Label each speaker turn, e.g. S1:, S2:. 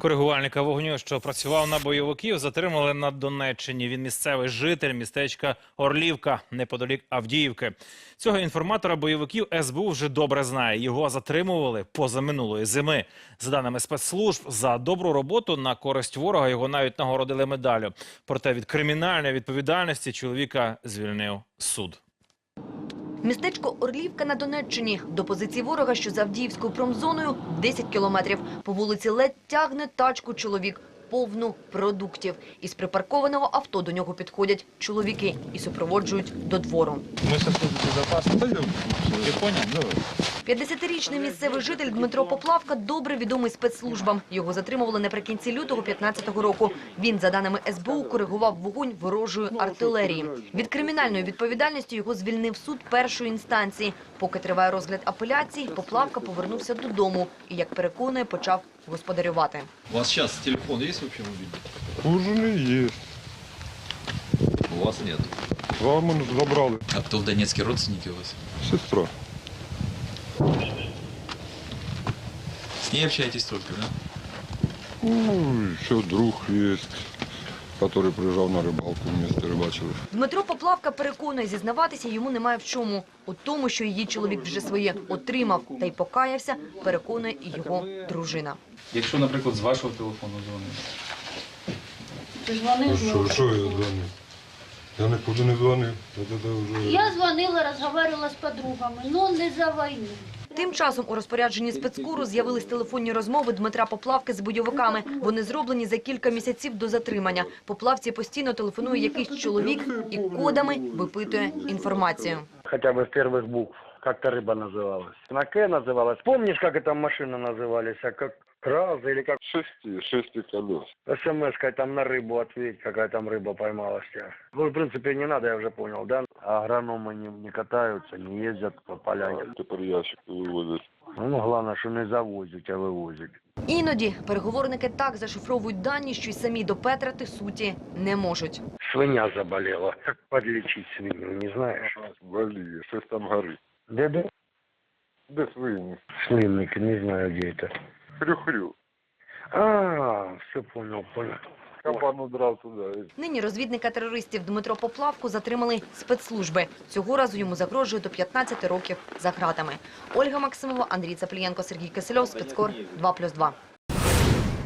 S1: Коригувальника вогню, що працював на бойовиків, затримали на Донеччині. Він місцевий житель містечка Орлівка, неподалік Авдіївки. Цього інформатора бойовиків СБУ вже добре знає. Його затримували позаминулої зими. За даними спецслужб, за добру роботу на користь ворога його навіть нагородили медаллю. Проте від кримінальної відповідальності чоловіка звільнив суд.
S2: Містечко Орлівка на Донеччині. До позиції ворога, що за Авдіївською промзоною, 10 кілометрів. По вулиці ледь тягне тачку чоловік, повну продуктів. Із припаркованого авто до нього підходять чоловіки і супроводжують до двору.
S3: Ми зараз безпечно. Ти поняв?
S2: 50-річний місцевий житель Дмитро Поплавка добре відомий спецслужбам. Його затримували наприкінці лютого 2015 року. Він, за даними СБУ, коригував вогонь ворожої артилерії. Від кримінальної відповідальності його звільнив суд першої інстанції. Поки триває розгляд апеляції, Поплавка повернувся додому і, як переконує, почав господарювати.
S4: У вас сейчас телефон есть вообще мобильный?
S5: У жены есть.
S4: У вас нет.
S5: Вам он забрали.
S4: А кто в Донецке, родственники у вас?
S5: Сестра.
S4: С ней общаетесь только, да?
S5: Ну, еще друг есть, который приезжал на рыбалку, вместе рыбачили.
S2: Дмитро Поплавка переконує, зізнаватися йому немає в чому. У тому, що її чоловік вже своє отримав та й покаявся, переконує і його дружина.
S3: Якщо, наприклад, з вашого телефону дзвонить.
S5: Що я дзвонив? Я нікуди не дзвонив.
S6: Я звонила, разговаривала с подругами, но не за войну.
S2: Тим часом у розпорядженні спецкуру з'явились телефонні розмови Дмитра Поплавки з бойовиками. Вони зроблені за кілька місяців до затримання. Поплавці постійно телефонує якийсь чоловік і кодами випитує інформацію.
S7: Хотя бы с первых букв. Как-то рыба называлась. На К называлась. Помнишь, как эта машина назывались? А как Раза или как
S5: Шести колес.
S7: СМС-кой там на рыбу ответь, какая там рыба поймалась. Ну, в принципе, не надо, я уже понял, да? Агрономы не катаются, не ездят по поляне.
S5: Тепер ящики вивозять.
S7: Ну, главное, что не завозят, а вывозят.
S2: Іноді переговорники так зашифровують дані, що й самі допетрити суті не можуть.
S7: Свинья заболела. Как подлечить свинью, не знаешь?
S5: Боліє, щось там горить.
S7: Где?
S5: Де свині?
S7: Свинник, не знаю, где это.
S5: Хрю-хрю.
S7: Все понял.
S5: Кабан удрав туди.
S2: Нині розвідника терористів Дмитро Поплавку затримали спецслужби. Цього разу йому загрожує до 15 років за ґратами. Ольга Максимова, Андрій Цаплієнко, Сергій Кисельов, Спецкор 2+2.